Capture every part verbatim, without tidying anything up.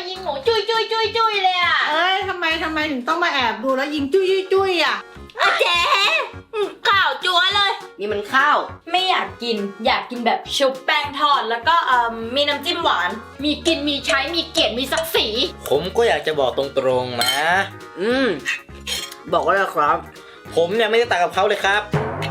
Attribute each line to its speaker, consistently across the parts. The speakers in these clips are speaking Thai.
Speaker 1: ยิงหนูจุ้ยจุ้ยจุ้ยจุ้ยเลยอ่ะ
Speaker 2: เอ้ยทำไมทำไมถึงต้องมาแอบดูแล้วยิงจุ้ยจุ้ยจุ้ยอ่ะ
Speaker 1: อาเจ๊ข่าวจั๊วเลย
Speaker 3: นี่มันข้าว
Speaker 1: ไม่อยากกินอยากกินแบบชุบแป้งทอดแล้วก็เอ่อมีน้ำจิ้มหวานมีกินมีใช้มีเกียรติมีศักดิ์ศรี
Speaker 4: ผมก็อยากจะบอกตรงๆนะ
Speaker 3: อืมบอกว่าแล้วครับ
Speaker 4: ผมเนี่ยไม่ได้ต่างกับเขาเลยครับ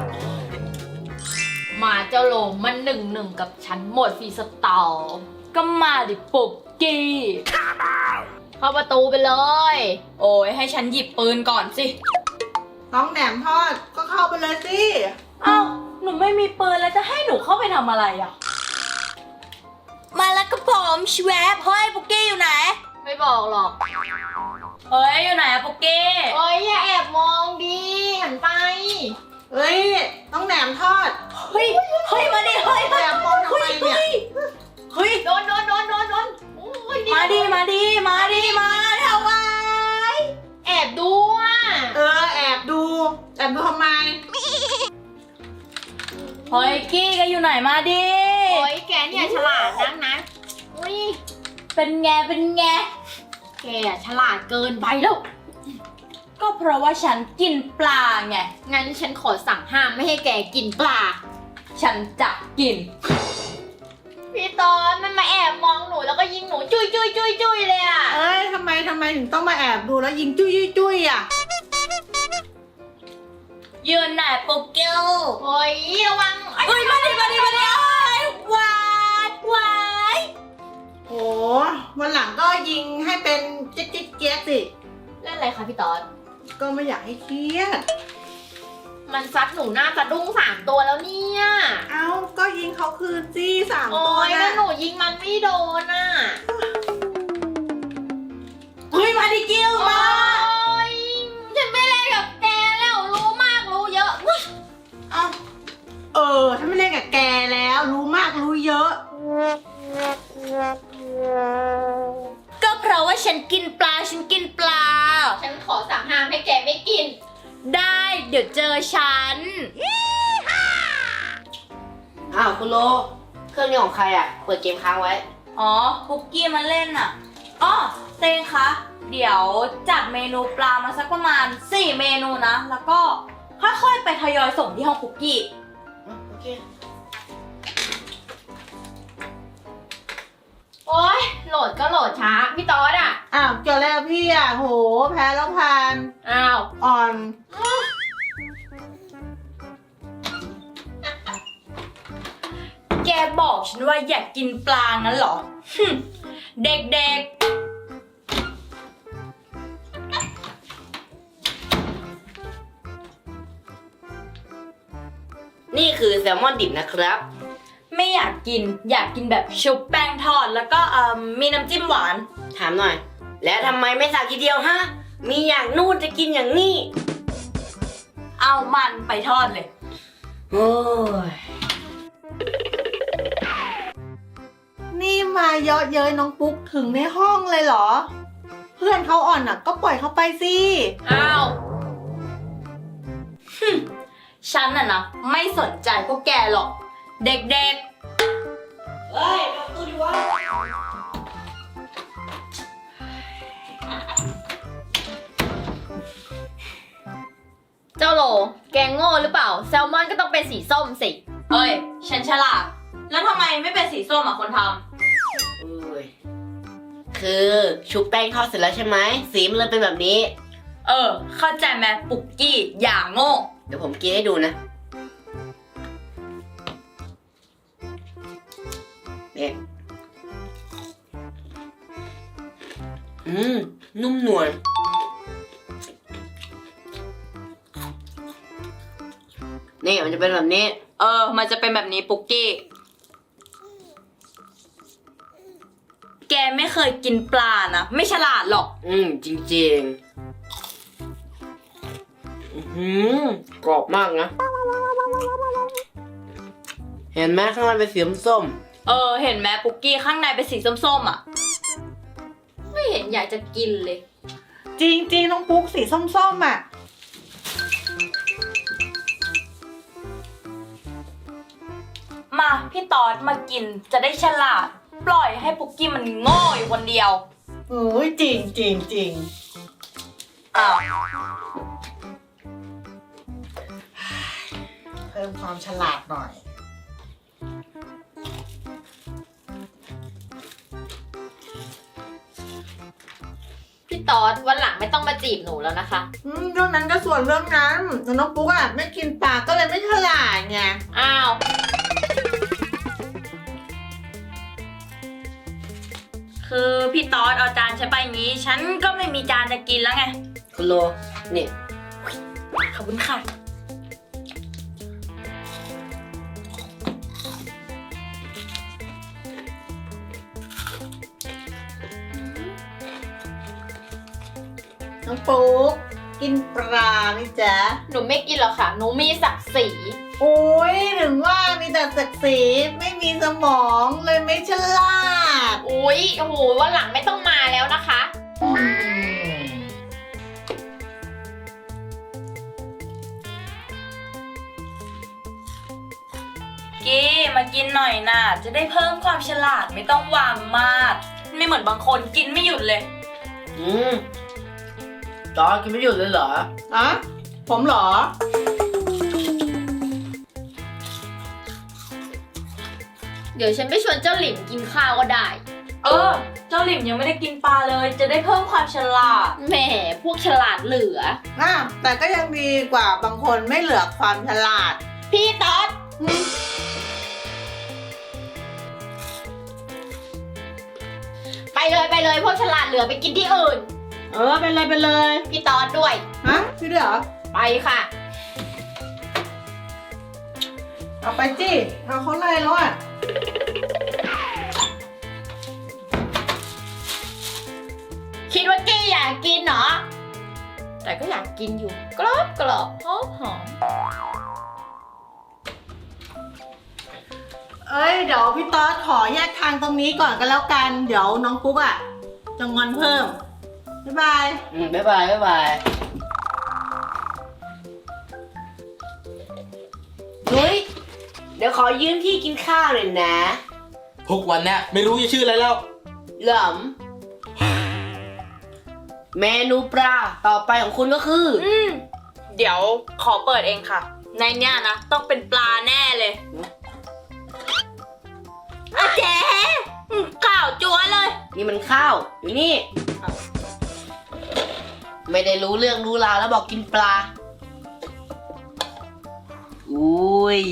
Speaker 1: มาเจ้าโลมมันหนึ่งหนึ่งกับฉันหมดฟรีสไตล์ก็มาดิปุกกี้เข้าประตูไปเลยโอ้ยให้ฉันหยิบปืนก่อนสิ
Speaker 2: น้องแหนมทอดก็เข้าไปเลยสิ
Speaker 1: เอ้าหนูไม่มีปืนแล้วจะให้หนูเข้าไปทำอะไรอ่ะ
Speaker 3: มาแล้วก็ผมชแวบเฮ้ยปุกกี้อยู่ไหน
Speaker 1: ไม่บอกหรอก
Speaker 3: เฮ้ยอยู่ไหนอะปุกกี้
Speaker 1: เฮ้ยอย่าแอบมองดิหันไป
Speaker 2: เฮ้ยน้องแหนมทอด
Speaker 3: เฮ้ยเฮ้ยมาดิเฮ้ย
Speaker 2: แอบมองทำไมเนี่ย
Speaker 3: เฮ้ย
Speaker 1: โดนโดนโดนโดนโดน
Speaker 3: มาดิมาดิมาดิมาทำไม
Speaker 1: แอบดูอ่ะ
Speaker 2: เออแอบดูแอบดูทำไม
Speaker 3: เฮ้ยกี้แกอยู่ไหนมาดิ
Speaker 1: โอ้ยแกเนี่ยฉลาดนักนะอุ้ย
Speaker 3: เป็นไงเป็นไง
Speaker 1: แกฉลาดเกินไปแล้ว
Speaker 3: ก็เพราะว่าฉันกินปลาไง
Speaker 1: งั้นฉันขอสั่งห้ามไม่ให้แกกินปลา
Speaker 3: ฉันจะกิน
Speaker 1: พี่ตอนมันมาแอบมองหนูแล้วก็ยิงหนูจุ้ยจุ้ยจุ้ยจุ้ยเลยอ่ะ
Speaker 2: เอ้ยทำไมทำไมถึงต้องมาแอบดูแล้วยิงจุ้ยจุ้ยจุ้ยอ่ะ
Speaker 3: ยืนไหนปุ๊กเกิล
Speaker 1: โอ้ยระวัง
Speaker 3: เฮ้ยมาดิมาดิมาดิวายวาย
Speaker 2: โอ้วันหลังก็ยิงให้เป็นเจ๊กเจ๊กเจ๊กสิ
Speaker 1: เล่นอะไรคะพี่ตอน
Speaker 2: ก็ไม่อยากให้เครียด
Speaker 1: มันซัดหนูหน้าสะดุ้งสามตัวแล้วเนี่ย
Speaker 2: เอ้าก็ยิงเขาคืนสิสามตัว
Speaker 1: นะโอ้ยแล้วหนูยิงมันไม่โดนอ่ะ
Speaker 3: เฮ้ยมาดิกิ้วมา
Speaker 1: ฉันไม่เล่นกับแกแล้วรู้มากรู้เยอะ
Speaker 2: เอ้าเออฉันไม่เล่นกับแกแล้วรู้มากรู้เยอะ
Speaker 3: ก็เพราะว่าฉันกินปลาฉันกินปลา
Speaker 1: ฉันขอสั่งห้ามให้แกไม่กิน
Speaker 3: ได้เดี๋ยวเจอฉัน
Speaker 5: อ้าวคุณโลเครื่องนี้ของใครอ่ะเปิดเกมค้างไว้
Speaker 3: อ๋อปุกกี้มันเล่นอ่ะอ๋อเตงคะเดี๋ยวจัดเมนูปลามาสักประมาณสี่เมนูนะแล้วก็ค่อยๆไปทยอยส่งที่ห้องปุกกี้
Speaker 5: โอเค
Speaker 1: โอ๊ยโหลดก็โหลดช้าพี่ต๊อดอ่ะ
Speaker 2: อ้าวเกี่ยวแล้วพี่อ่ะโหแพ้แล้วผ่าน
Speaker 1: อ้าว
Speaker 2: อ่อน
Speaker 3: แกบอกฉันว่าอยากกินปลางั้นเหรอเด็ก
Speaker 5: ๆนี่คือแซลมอนดิบนะครับ
Speaker 3: ไม่อยากกินอยากกินแบบชุบแป้งทอดแล้วก็เอ่อมีน้ำจิ้มหวาน
Speaker 5: ถามหน่อยแล้วทำไมไม่สั่งทีเดียวฮะมีอย่างนู่นจะกินอย่างนี้
Speaker 3: เอามันไปทอดเลย
Speaker 5: โอ้ย
Speaker 2: นี่มาเยอะเย้ยน้องปุ๊กถึงในห้องเลยเหรอเพื่อนเขาอ่อนอ่ะก็ปล่อยเขาไปสิ
Speaker 1: อ้าว
Speaker 3: ฉันน่ะนะไม่สนใจพวกแกหรอกเด็กๆ
Speaker 5: เฮ้ยประตูดิวะ
Speaker 1: เจ้าโลแกงโง่หรือเปล่าแซลมอนก็ต้องเป็นสีส้มสิ
Speaker 3: เฮ้ยฉันฉลาดแล้วทำไมไม่เป็นสีส้มอ่ะคนทำ
Speaker 5: อุ้ยคือชุบแป้งทอดเสร็จแล้วใช่ไหมสีมันเลยเป็นแบบนี้
Speaker 3: เออเข้าใจไหมปุกกี้อย่าโง่
Speaker 5: เดี๋ยวผมกินให้ดูนะเนี่ยอืมนุ่มนวลนี่มันจะเป็นแบบนี้
Speaker 3: เออมันจะเป็นแบบนี้ปุกกี้แกไม่เคยกินปลานะไม่ฉลาดหรอก
Speaker 5: อืมจริงๆอืมกรอบมากนะเห็นไหมข้างในเป็นสีส้ม
Speaker 3: เออเห็นไหมปุกกี้ข้างในเป็นสีส้มๆอ่ะ
Speaker 1: ไม่เห็นอยากจะกินเลย
Speaker 2: จริงๆน้องปุ๊กสีส้มๆอ่ะ
Speaker 3: มาพี่ตอดมากินจะได้ฉลาดปล่อยให้ปุกกี้มันโง่อยู่คนเดียว
Speaker 2: โอ้ยจริงจริงจริง
Speaker 3: อ้าว
Speaker 2: เพิ่มความฉลาดหน่อย
Speaker 1: พี่ตอดวันหลังไม่ต้องมาจีบหนูแล้วนะคะ
Speaker 2: อืมเรื่องนั้นก็ส่วนเรื่องนั้นแต่น้องปุ๊กอะไม่กินปลาก็เลยไม่ฉลาดไง
Speaker 1: อ้าว
Speaker 3: คือพี่ตอดเอาจานฉันไปงี้ ฉันก็ไม่มีจานจะกินแล้วไง
Speaker 5: คุณโลนี่
Speaker 3: ขอบคุณค่ะ
Speaker 2: น้องปุ๊กกินปลาไหมจ๊ะ
Speaker 1: หนูไม่กินหรอกค่ะ หนูมีศักดิ์ศรี
Speaker 2: โอ้ยถึงว่ามีแต่ศักดิ์ศรีไม่มีสมองเลยไม่ฉลาด
Speaker 1: อุ๊ยโอ้โหวันหลังไม่ต้องมาแล้วนะคะ
Speaker 2: อืม
Speaker 3: กี้มากินหน่อยนะจะได้เพิ่มความฉลาดไม่ต้องวางมาก ไม่เหมือนบางคนกินไม่หยุดเลย
Speaker 5: อืมจอกินไม่หยุดเลยเหรอ
Speaker 2: อะผมเหรอ
Speaker 1: เดี๋ยวฉันไปชวนเจ้าหลิมกินข้าวก็ได้
Speaker 3: เออ เจ้าหลิมยังไม่ได้กินปลาเลย จะได้เพิ่มความฉลาด
Speaker 1: แหมพวกฉลาดเหลือ
Speaker 2: อ่ะแต่ก็ยังดีกว่าบางคนไม่เหลือความฉลาด
Speaker 1: พี่ตอด
Speaker 2: อืม
Speaker 1: ไปเลยไปเลยพวกฉลาดเหลือไปกินที่อื่น
Speaker 2: เออเป็นเลยเป็นเลย
Speaker 1: พี่ตอดด้วย
Speaker 2: ฮะพี่ด้วยเหรอ
Speaker 1: ไปค่ะ
Speaker 2: เอาไปจิเอาเขาไล่แล้วอ่ะ
Speaker 1: คิดว่ากี้อยากกินเหรอ แต่ก็อยากกินอยู่ กรอบกรอบหอมหอม
Speaker 2: เอ้ยเดี๋ยวพี่ต๊อดขอแยกทางตรงนี้ก่อนก็แล้วกัน เดี๋ยวน้องปุ๊กอ่ะจะงอนเพิ่ม บ๊ายบาย
Speaker 5: อืมบ๊ายบายบ๊ายบายเฮ้ย เดี๋ยวขอยืมที่กินข้าวหน่อยนะ
Speaker 4: ทุกวันเนี้ยไม่รู้จะชื่ออะไรแล้ว
Speaker 5: เหลิมเมนูปลาต่อไปของคุณก็คือ
Speaker 3: อืม เดี๋ยวขอเปิดเองค่ะ ในเนี้ยนะ ต้องเป็นปลาแน่เลยอาเจ๊อืมข่าวจัวเลย
Speaker 5: นี่มันข้าวอยู่นี่ ไม่ได้รู้เรื่องรู้ราวแล้วบอกกินปลา อุ้ย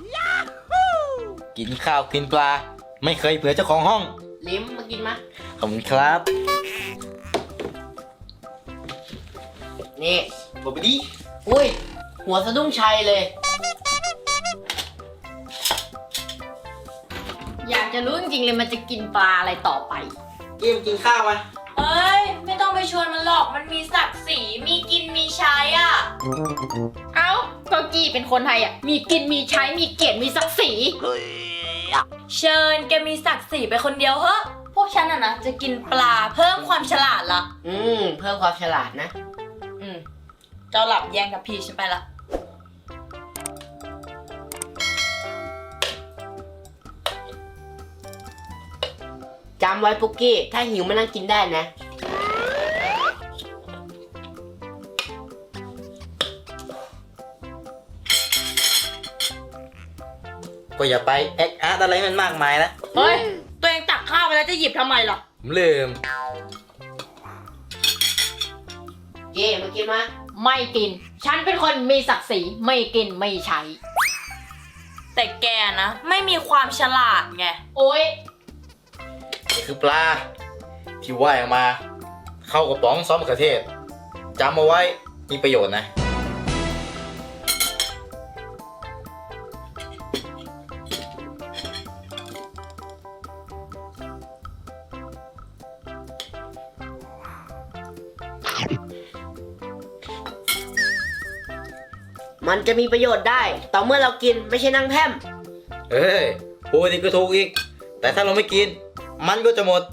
Speaker 4: กินข้าวกินปลา ไม่เคยเผื่อเจ้าของห้อง
Speaker 5: ลิ้มมากินมา
Speaker 4: ขอบคุณครับ
Speaker 5: นี่
Speaker 4: บอกไปดิ
Speaker 5: อุ้ย หัวสะดุ้งชัยเลย
Speaker 1: อยากจะรู้จริงๆเลยมันจะกินปลาอะไรต่อไป
Speaker 4: เกมกินข้าวมา
Speaker 3: เอ้ย ไม่ต้องไปชวนมันหรอก มันมีศักดิ์ศรีมีกินมีใช้อ่ะ
Speaker 1: เอ้าก็กี้เป็นคนไทยอ่ะ มีกินมีใช้มีเกียรติมีศักดิ์ศรี
Speaker 3: เชิญแกมีศักดิ์ศรีไปคนเดียวเฮ้พวกฉันอะนะจะกินปลาเพิ่มความฉลาดละ
Speaker 5: อืม เพิ่มความฉลาดนะ
Speaker 3: อืม เจ้าหลับแย่งกับพี่ฉันไปละ
Speaker 5: จำไว้ปุกกี้ ถ้าหิวมานั่งกินได้นะ
Speaker 4: ก็อย่าไปแอคอาร์ตอะไรมันมากมายนะ
Speaker 3: เฮ้ย ตัวเองตักข้าวไปแล้วจะหยิบทำไมล่ะ
Speaker 4: ผมลืม
Speaker 5: เก้มากินมา
Speaker 1: ไม่กิน ฉันเป็นคนมีศักดิ์ศรีไม่กินไม่ใช้
Speaker 3: แต่แกนะ ไม่มีความฉลาดไง
Speaker 1: โอ๊ย
Speaker 4: นี่คือปลา ที่ว่ายออกมา เข้ากระป๋องซอสมะเขือเทศจำเอาไว้มีประโยชน์นะ
Speaker 5: มันจะมีประโยชน์ได้ ต่อเมื่อเรากินไม่ใช่นั่งแพร่ม
Speaker 4: เฮ้ยพูดอีกก็ถูกอีก แต่ถ้าเราไม่กิน มันก็จะหมด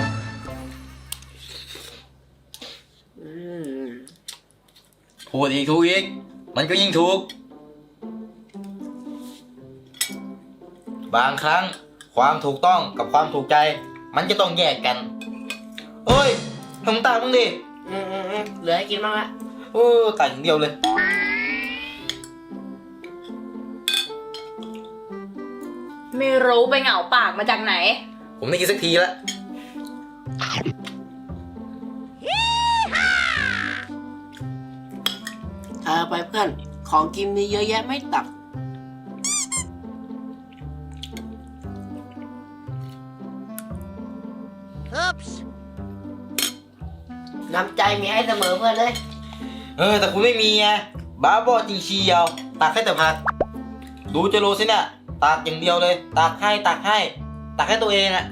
Speaker 5: อืม
Speaker 4: พูดอีกถูกอีก มันก็ยิ่งถูก บางครั้งความถูกต้องกับความถูกใจ มันจะต้องแยกกันเอ้ยทำตามึงดิ
Speaker 5: อืมอืมอืมเหลือให้กินบ้างละ
Speaker 4: โอ้ตายอย่างเดียวเลย
Speaker 1: ไม่รู้ไปเหงาปากมาจากไหน
Speaker 4: ผมได้กินสักทีละ
Speaker 5: เอาไปเพื่อน ของกินมีเยอะแยะไม่ตัก น้ำใจมีให้เสมอเพื่อนเลย
Speaker 4: เออแต่คุณไม่มีไงบ้าบอจริงเชียวตักให้แต่ผักดูเจโรสิเนี่ยตักอย่างเดียวเลยตักให้ตักให้ตักให้ตัวเองอะ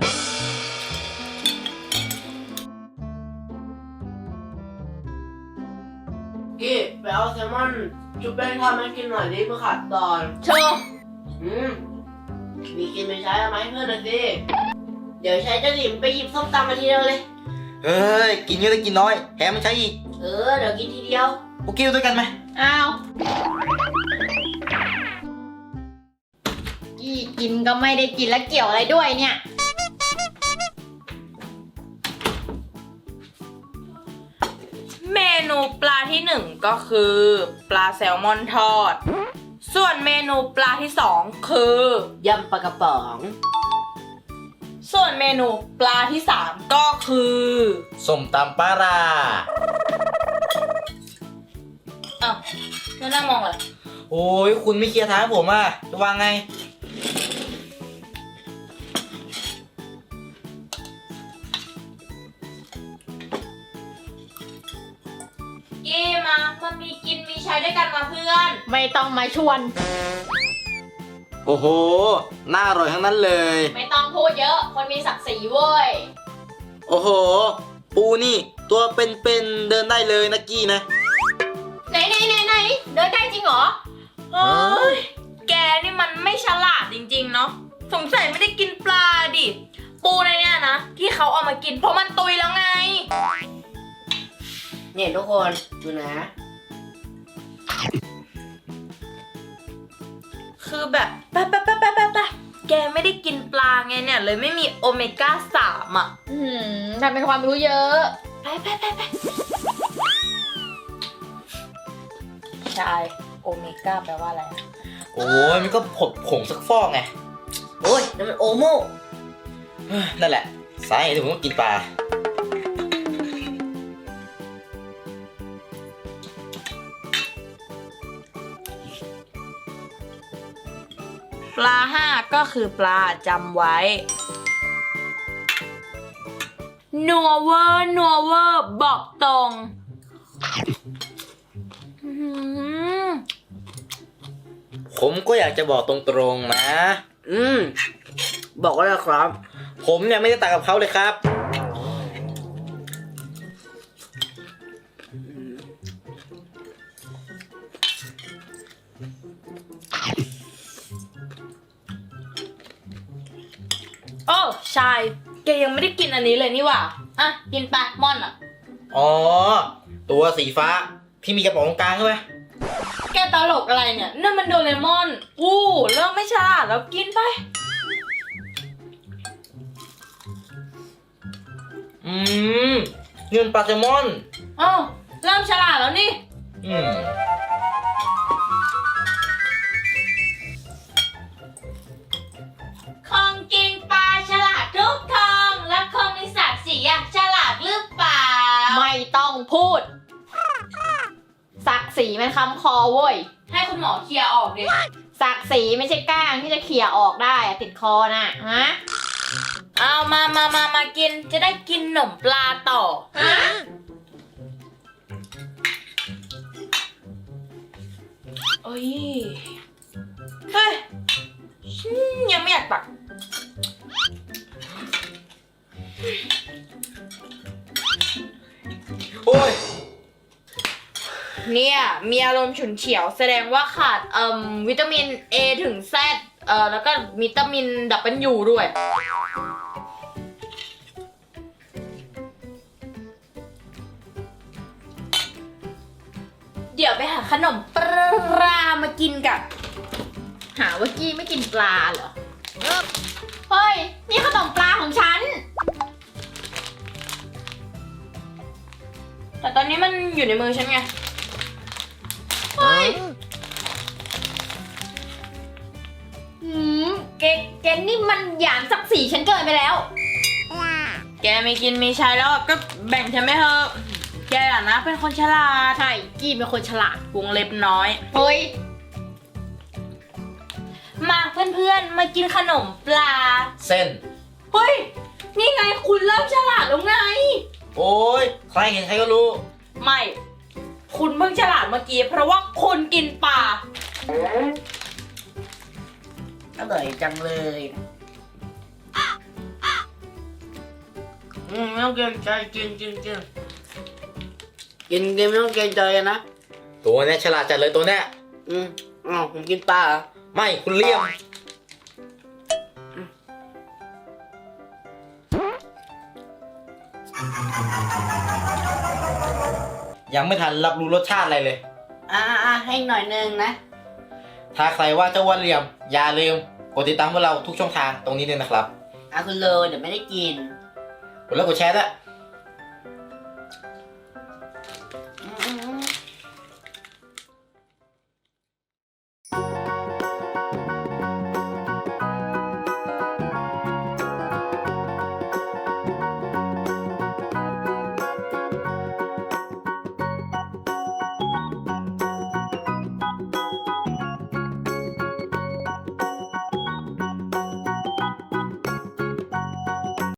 Speaker 5: กี้ไปเอาแซลมอนชุบแป้งทอดมากินหน่อยดิเพื่อขาดตอน
Speaker 1: โชว์
Speaker 5: อืมมีกินไม่ใช้เอาไหมาให้เพื่อนหน่อยสิ เดี๋ยวใช้เจ้าหลิมไปหยิบส้มตำมาทีเดียวเลย
Speaker 4: เฮ้ยกินเยอะได้กินน้อยแถมมันใช้อีก
Speaker 5: เออ เดี๋ยวกินทีเดียว
Speaker 4: พวกกิ้วด้วยกันไหม
Speaker 1: อ้าวกี่กินก็ไม่ได้กินแล้วเกี่ยวอะไรด้วยเนี่ย
Speaker 3: เมนูปลาที่หนึ่งก็คือปลาแซลมอนทอด ส่วนเมนูปลาที่สองคือย
Speaker 5: ำปลากระป๋อง
Speaker 3: ส่วนเมนูปลาที่สามก็คือ
Speaker 4: ส้มตำปลาร้า
Speaker 3: อ้าวแล้วนั่งมองอะไร
Speaker 4: โอ้ยคุณไม่เคลียร์ทางให้ผมอ่ะจะวางไง
Speaker 3: กี้มามันมีกินมีใช้ด้วยกันมาเพื่อน
Speaker 1: ไม่ต้องมาชวน
Speaker 4: โอ้โหน่าอร่อยทั้งนั้นเลย
Speaker 1: ไม่ต้องพูดเยอะ คนมีศักดิ์ศรีเว้ย
Speaker 4: โอ้โห ปูนี่ตัวเป็นๆเดินได้เลยนะกี้นะ
Speaker 1: ไหนไหนไหนไหนเดินได้จริงเหรอ
Speaker 3: เฮ้ย แกนี่มันไม่ฉลาดจริงๆเนาะ สงสัยไม่ได้กินปลาดิ ปูในเนี่ยนะ ที่เขาเอามากินเพราะมันตุยแล้วไง
Speaker 5: เนี่ยทุกคนดูนะ
Speaker 3: คือแบบไปไปไปไปไปไปแกไม่ได้กินปลาไงเนี่ย เลยไม่มีโอเมก้าสามอ่ะ
Speaker 1: อืมทำเป็นความรู้เยอะ
Speaker 3: ไปไปไปไป
Speaker 1: ใช่โอเมก้าแปลว่าอะไร
Speaker 4: โอ้ยมันก็ผดผงสักฟอกไง
Speaker 5: โอ้ยนั่นมันโอโม่
Speaker 4: เฮ้ยนั่นแหละสาเหตุที่ผมต้องกินปลา
Speaker 3: ปลาห้าก็คือปลาจำไว้ นัวเวอร์นัวเวอร์บอกตรงอื้อหือ
Speaker 4: ผมก็อยากจะบอกตรงๆนะ
Speaker 5: อืม บอกว่าแล้วครับ
Speaker 4: ผมเนี่ยไม่ได้ต่างกับเขาเลยครับ
Speaker 3: โอ้ชายแกยังไม่ได้กินอันนี้เลยนี่หว่าอ่ะกินไปม่อนอ่ะ
Speaker 4: อ๋อ ตัวสีฟ้าที่มีกระป๋องตรงกลางใช่ไหม
Speaker 3: แกตลกอะไรเนี่ยนั่นมันโดเรมอนอู้เริ่มไม่ฉลาดแล้วกินไป
Speaker 4: อืมเงินปลาแซลมอน
Speaker 3: อ้าวเริ่มฉลาดแล้วนี่
Speaker 4: อืม
Speaker 3: ของกินปลาฉลาดทุกทองและคงมีศักดิ์ศรีอะฉลาดหรือเปล่า
Speaker 1: ไม่ต้องพูด ศักดิ์ศรีมันคำคอเว้ย
Speaker 3: ให้คุณหมอเคลียร์ออกดิ
Speaker 1: ศักดิ์ศรีไม่ใช่ก้างที่จะเขี่ยออกได้อะติดคอน่ะฮะ
Speaker 3: เอามามามามากินจะได้กินหนมปลาต่อ
Speaker 1: ฮะ
Speaker 3: เอ้ย เฮ้ยอืมยังไม่อยากตัก
Speaker 4: โอ้ย
Speaker 3: เนี่ยมีอารมณ์ฉุนเฉียวแสดงว่าขาดเอ่มวิตามิน A ถึง Z เอ่อแล้วก็วิตามินดับเบิลยูด้วย เดี๋ยวไปหาขนมปลามากินกัน
Speaker 1: หาว่ากี้ไม่กินปลาเหรอ เฮ้ย นี่ขนมปลาของฉันนี้มันอยู่ในมือฉันไง เฮ้ย
Speaker 2: หืม
Speaker 1: เกแกนี่มันหยามศักดิ์ศรีฉันเกินไปแล้ว
Speaker 3: แกมีกินมีใช้แล้วก็แบ่งฉันไม่เถอะแกอะนะเป็นคนฉลาด
Speaker 1: ใช่ กี้เป็นคนฉลาด
Speaker 3: วงเล็บน้อย
Speaker 1: เฮ้ย
Speaker 3: มาเพื่อนๆ มากินขนมปลา
Speaker 4: เส้น
Speaker 1: เฮ้ย นี่ไงคุณเริ่มฉลาดแล้วไง
Speaker 4: โอ้ยใครเห็นใครก็รู้
Speaker 1: ไม่ คุณเพิ่งฉลาดเมื่อกี้เพราะว่าคุณกินปลา
Speaker 5: อร่อยจังเลย อืมไม่ต้องเกรงใจกินกินกินกินกินไม่ต้องเกรงใจกันนะ
Speaker 4: ตัวเนี้ยฉลาดจัดเลยตัวเนี้ย
Speaker 5: อืมอ๋อผมกินปลาเหรอ
Speaker 4: ไม่คุณเลี่ยม ยังไม่ทันรับรู้รสชาติอะไรเลย
Speaker 5: อ่าอ่าให้หน่อยนึงนะ
Speaker 4: ถ้าใครว่าเจ้าอ้วนเหลี่ยม อย่าลืมกดติดตามพวกเราทุกช่องทางตรงนี้เลยนะครับ
Speaker 5: อ่ะคุณโลเดี๋ยวไม่ได้กิน
Speaker 4: กดไลค์กดแชร์ด้วย